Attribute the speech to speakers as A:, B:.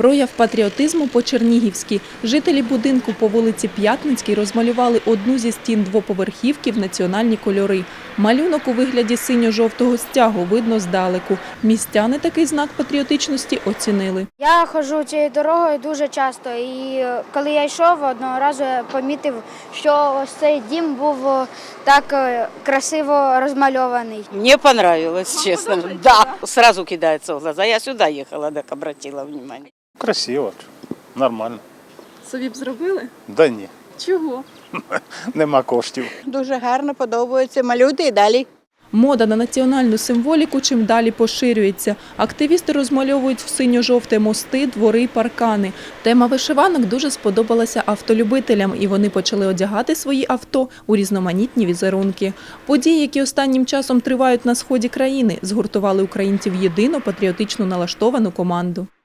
A: Прояв патріотизму по-чернігівськи. Жителі будинку по вулиці П'ятницькій розмалювали одну зі стін двоповерхівки в національні кольори. Малюнок у вигляді синьо-жовтого стягу видно здалеку. Містяни такий знак патріотичності оцінили.
B: Я ходжу цією дорогою дуже часто, і коли я йшов, одного разу я помітив, що ось цей дім був так красиво розмальований.
C: Мне понравилось, честно. Да, сразу кидается в глаза. Я сюда ехала, так обратила внимание.
D: Красиво, нормально.
A: Собі б зробили?
D: Да ні,
A: Чого?
D: нема коштів.
E: Дуже гарно, подобається. Малюйте і далі.
A: Мода на національну символіку чим далі поширюється. Активісти розмальовують в синьо-жовте мости, двори, паркани. Тема вишиванок дуже сподобалася автолюбителям, і вони почали одягати свої авто у різноманітні візерунки. Події, які останнім часом тривають на сході країни, згуртували українців в єдину патріотично налаштовану команду.